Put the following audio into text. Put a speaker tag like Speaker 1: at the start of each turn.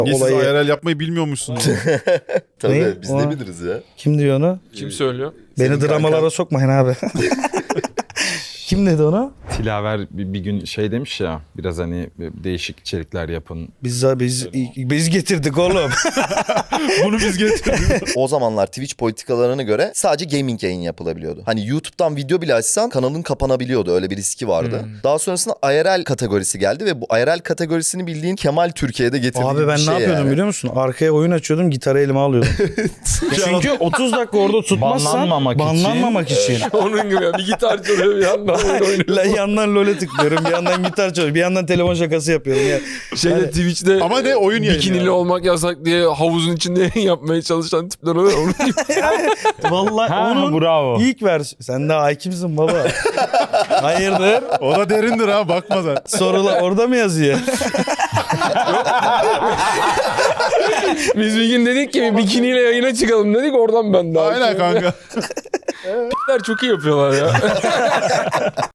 Speaker 1: Niye siz
Speaker 2: Olayı...
Speaker 1: IRL yapmayı bilmiyormuşsunuz?
Speaker 3: Tabii
Speaker 2: Ne?
Speaker 3: biz
Speaker 2: O-
Speaker 3: ne biliriz ya.
Speaker 2: Kim diyor onu?
Speaker 4: Kim söylüyor?
Speaker 2: Beni
Speaker 3: Senin
Speaker 2: dramalara
Speaker 3: kankan.
Speaker 2: sokmayın abi. Kim dedi onu?
Speaker 5: Tilaver bir gün şey demiş ya, biraz hani değişik içerikler yapın.
Speaker 2: Biz getirdik oğlum.
Speaker 1: Bunu biz getirdik.
Speaker 3: O zamanlar Twitch politikalarına göre sadece gaming yayın yapılabiliyordu. Hani YouTube'dan video bile açsan kanalın kapanabiliyordu. Öyle bir riski vardı. Daha sonrasında IRL kategorisi geldi ve bu IRL kategorisini bildiğin Kemal Türkiye'de getirdiği
Speaker 2: Abi ben
Speaker 3: bir
Speaker 2: ne
Speaker 3: şey
Speaker 2: yapıyordum
Speaker 3: yani.
Speaker 2: biliyor musun? Arkaya oyun açıyordum, gitarı elime alıyordum. Çünkü 30 dakika orada tutmazsan
Speaker 5: Banlanmamak için.
Speaker 2: için.
Speaker 4: Onun gibi ya. Bir gitar çalıyor bir yandan oyun oynuyor.
Speaker 2: La yandan LoL'e tıklıyorum, bir yandan gitar çalıyorum, bir yandan telefon şakası yapıyorum. Ya.
Speaker 4: Şeyde Twitch'te
Speaker 1: Ama ne oyun yayını
Speaker 4: bikinili
Speaker 1: yani.
Speaker 4: olmak yasak diye havuzun içinde yayın yapmaya çalışan tipler oluyor. Onun gibi.
Speaker 2: Vallahi
Speaker 5: Ha,
Speaker 2: onun
Speaker 5: bravo.
Speaker 2: ilk versiyonu. Sen de hakimsin baba. Hayırdır?
Speaker 1: O da derindir ha, bakma sen.
Speaker 2: Sorular orada mı yazıyor?
Speaker 4: Biz bir gün dedik ki bikiniyle yayına çıkalım dedik, oradan ben de.
Speaker 1: Aynen kanka.
Speaker 4: Tipler çok iyi yapıyorlar ya.